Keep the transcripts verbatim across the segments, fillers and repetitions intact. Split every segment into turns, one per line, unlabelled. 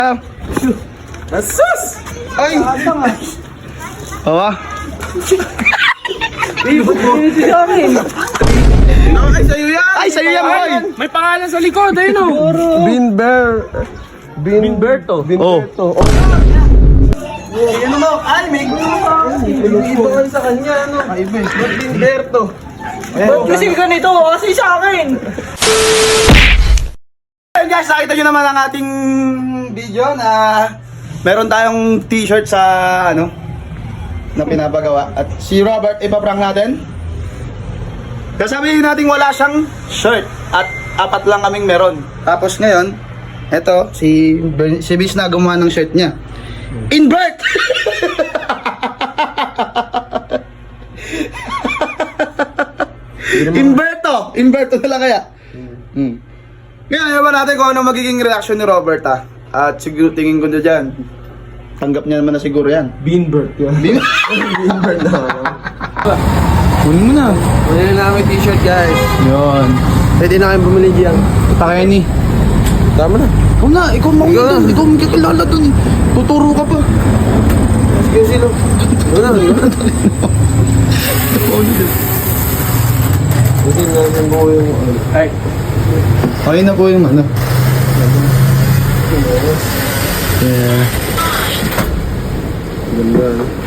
Asus! Ay!
Awa.
Ay, sa'yo yan!
Ay, sa'yo yan, boy!
May pangalan sa likod, ayun o.
Binber. Bin...
Binberto.
Binberto. Oh. Yan mo. Ay, may iba sa kanya, ano? Ay, Ba't Binberto?
Ba't kasi ganito? Kasi sa akin!
Ayun guys, nakita nyo naman ang ating video na meron tayong t-shirt sa ano na pinapagawa. At si Robert ipaprank natin. Kasabihin natin wala siyang shirt at apat lang kaming meron. Tapos ngayon, eto si si Bis na gumawa ng shirt niya. Invert! Inverto! Inverto na lang kaya. Hmm. Ngayon, ewan natin kung ano magiging reaction ni Robert ah. At siguro tingin ko na dyan, tanggap niya naman na siguro yan.
Binbert yan.
Bin-
Binbert na.
Kunin mo na.
Kunin na namin t-shirt, guys.
Yun.
Pwede na kayong bumili diyan.
Takay ni.
Tama na.
Ikaw na, ikaw mo
Ikaw
dun.
na.
Ikaw magkakilala dun. Tuturo ka pa.
Sige, sino? Wala na, wala na. Hindi na yung buo yung...
Ay,
Okay na po yung ano. Yeah.
Ganda.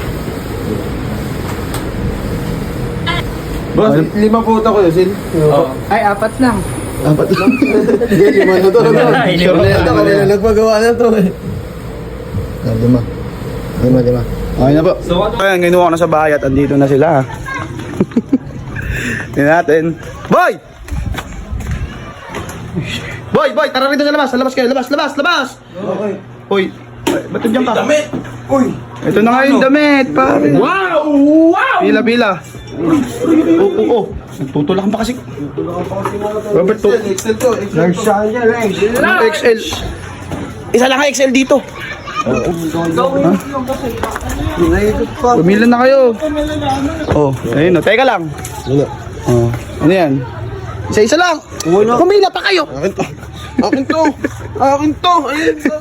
Boss, lima po ito ko yun, Sil.
oh. Ay, apat lang.
Dapat lang.
Sige, lima na to.
Ay,
Sure
lima
na yan.
na.
Kanila nagpagawa na to eh.
Ah, lima. Lima, lima. Okay na po. So, ayan, ginuha ko na sa bahay at andito na sila. Tingnan natin. Boy! Boy, boy, tara rito sa labas. Sa labas kayo. Labas, labas, labas!
Okay.
Hoy, ay, ba't nandiyan ka?
Damit! Uy!
Ito na nga yung damit, pare.
Wow! Wow!
Pila, pila. Oo, oo, oo. Tutulakan pa kasi. Robert, to.
Excel to. Excel
Large
to.
siya niya, eh.
X L. Isa lang ang X L dito.
United pa.
Pumila na kayo. Oh, ayun o. Teka lang.
Ano?
Oh, ano yan? Isa-isa lang. Pumila pa kayo.
Akin to. Akin to. Akin to. Ayun to.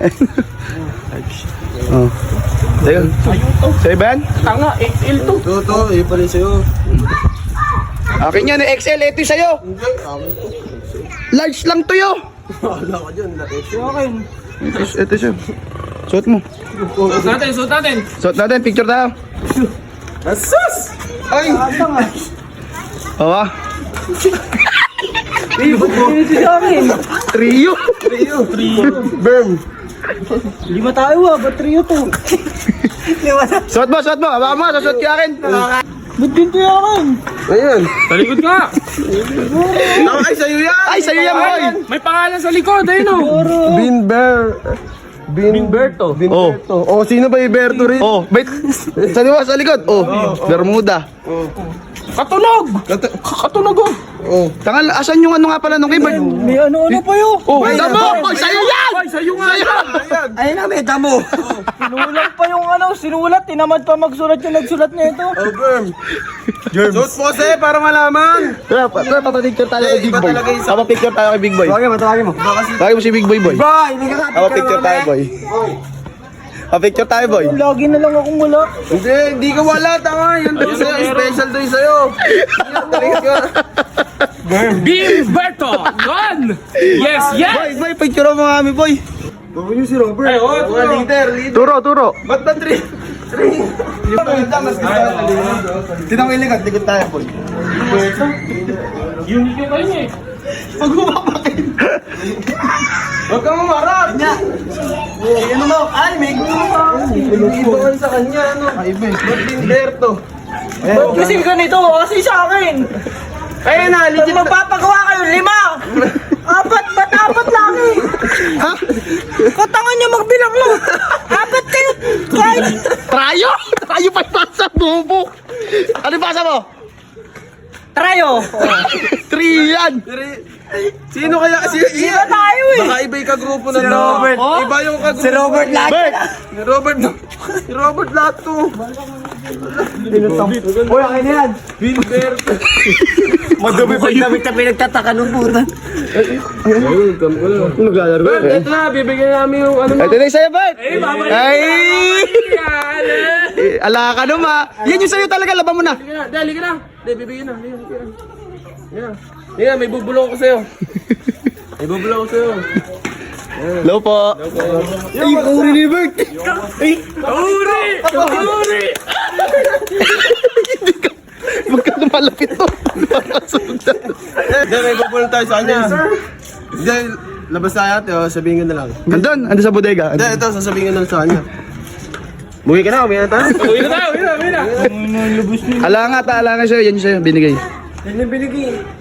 Oh. Teka. Sa'yo ba yan?
Tanga, X L to.
Ito to. Eh, pala sa'yo.
Akin yan, X L. Ito yung sa'yo.
Hindi. Akin to.
Large lang to yo.
Wala ka dyan. Laki.
Ito, ito siya. Suot mo.
Suot natin, suot natin.
Suot natin. Picture tayo.
Asus! Ay!
Oo ah.
Ganito sa akin.
Trio.
Trio. Trio. Berm.
Lima tayo ah, ba't trio to? Lima na.
Suot mo, suot mo. Hawakan mo. Susuot ka akin.
Ba't ganito yung akin?
Ayan.
Talikod ka.
Ay, sa'yo yan!
Ay, sa'yo yan, boy.
May pangalan sa likod, ayun o.
Binber. Bin...
Binberto.
Binberto. Oh. Sino ba yung Berto rin?
Oh, wait. Sa liwa, sa likod. Oh, Bermuda.
Katunog! Katunog o.
Oh.
Tangal, asan yung ano nga pala nung keyboard?
May ano-ano pa yun.
Oh,
Ay,
damo!
ay,
Boy, sa'yo yan!
Ay, sa'yo nga yan.
Ayan.
Ayun na, may damo. Sinulat pa yung ano, sinulat. Tinamad pa magsulat yung nagsulat na ito.
Oh, Berm. Suot po sa'yo para malaman.
Tara, pa- tara, papapicture tayo kay Big
Iba
Boy.
talaga yung-
Papapicture tayo kay Big Boy.
Tawagin mo, tawagin mo.
Tawagin mo si Big Boy, boy.
Boy, hindi ka kapit
Papapicture tayo, boy. Papapicture tayo, boy.
Lagi na lang akong wala.
Hindi, hindi ka wala. Tama. Yan daw sa'yo. Special daw yung sa'yo. Yan, talikod ka.
Binberto! Yan! Yes, yes!
Boy, boy, picture mo nga kami, boy.
Gawin niyo si Robert.
Ay, oh,
Mga leader, leader.
Turo, turo.
Ba't ba three? Three. Yung maganda, mas gusto ka sa likod.
Tinang may likod, likod tayo, boy.
Unique yung kayo eh.
Pag bumapakin.
Huwag kang umarap.
Ano mo? Ay, may
Iba sa kanya, ano? Ay, Ba't Binberto?
Ba't kasi ganito? Kasi sa akin.
Kaya na,
Pag
legit na.
magpapagawa kayo, lima! Apat! Ba't apat lang eh?
Ha?
Katangan niya magbilang lang! Apat kayo! Kahit...
Trayo? Trayo pa yung pasa, bobo. Ano yung pasa mo?
Trayo!
Three yan.
Sino kaya? Si
Lima tayo eh!
Baka iba yung kagrupo na
Si
to.
Robert.
Iba yung kagrupo.
Si Robert lahat!
Bert!
Si Robert. Si Robert lahat to. Uy, akin na yan.
Madumi pa yun.
Damit na pinagtataka ng puta.
Naglalaro.
Bert, ito na, bibigyan namin yung ano mo.
Ito na yung sa'yo, Bert.
Eh, babalik.
Ay!
Yan, eh.
Eh, ala ka naman. Yan yung sa'yo talaga, laban mo na.
Halika na, dali ka na. Dali, bibigyan na. Halika, halika na. Yan. Yan, may bubulong ko sa'yo. May bubulong ko sa'yo.
Hello po. Ay, uri ni Bert. Ay,
Uri! Uri!
huwag ka lumalapit to.
Hindi, may pupulong tayo sa kanya. Hindi, labas tayo ate, oh, sabihin ko na lang.
Andun, andun sa bodega.
Hindi, ito, sasabihin ko na lang sa kanya. Umuwi ka na, umuwi na tayo.
Uwi na tayo, uwi na, uwi na.
Ala nga ta, ala nga sa'yo. Yan yung sa'yo, binigay.
Yan yung binigay.